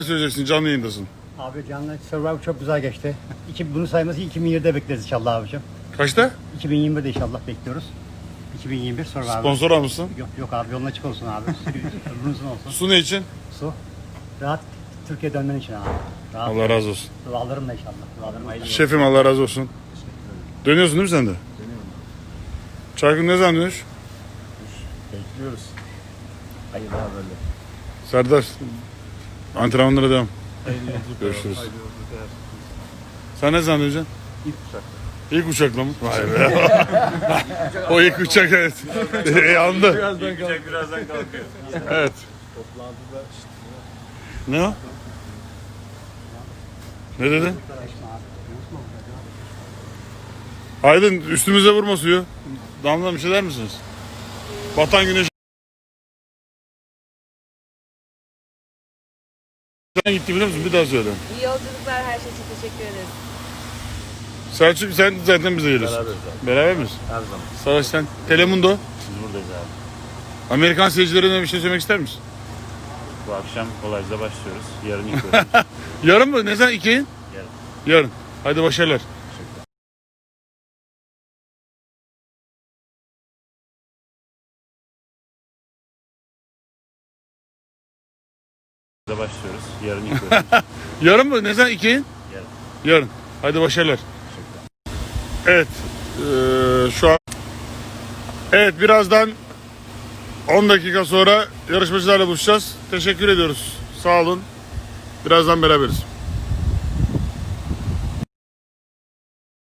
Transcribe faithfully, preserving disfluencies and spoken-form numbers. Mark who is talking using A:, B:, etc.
A: Söyleyeceksin, canlı yayındasın.
B: Abi canlı Survivor çok güzel geçti. İki, bunu sayması iki bin yirmide bekleriz inşallah abicim.
A: Kaçta?
B: iki bin yirmide inşallah bekliyoruz. iki bin yirmi bir Survivor.
A: Sponsor almışsın.
B: Yok yok abi, yolun açık olsun abi. Ömrün uzun olsun.
A: Su ne için?
B: Su. Rahat Türkiye dönmen için abi. Rahat.
A: Allah razı olsun.
B: Dualarımla inşallah. Dualarım hayırlı olsun.
A: Şefim Allah razı olsun. Dönüyorsun değil mi sen de?
C: Dönüyorum.
A: Çaykın ne zaman dönüş?
C: Bekliyoruz. Hayırlı haberler.
A: Serdar, antrenmanlara devam.
C: Hayırlı yolculuklar.
A: Görüşürüz.
C: Hayırlı yolculuklar.
A: Sen ne zaman döneceksin?
C: İlk uçak.
A: İlk uçakla mı? Vay be. O ilk uçak evet. Yandı.
C: Birazdan kalkıyor. Birazdan kalkıyor.
A: Evet.
C: Toplantıda işte.
A: Ne o? Ne dedin? Aydın üstümüze vurma suyu. Damla bir şey der misiniz? Batan güneş. Sen gitti biliyor musun? Bir daha söyle.
D: İyi yolculuklar, her şey için teşekkür ederiz.
A: Selçuk sen zaten bize geliyorsun.
C: Beraberiz abi.
A: Beraber miyiz?
C: Her zaman.
A: Savaş sen. Telemundo.
C: Biz buradayız abi.
A: Amerikan seyircilerine bir şey söylemek ister misin?
C: Bu akşam Kolaycı'da başlıyoruz. Yarın ilk bölüm.
A: Yarın mı? Ne zaman? İki?
C: Yarın.
A: Yarın. Hadi başarılar.
C: Kolaycı'da başlıyoruz. Yarın ilk bölüm.
A: Yarın mı? Ne zaman? İki?
C: Yarın.
A: Yarın. Hadi başarılar. Evet. Ee, şu an Evet birazdan on dakika sonra yarışmacılarla buluşacağız. Teşekkür ediyoruz. Sağ olun. Birazdan beraberiz.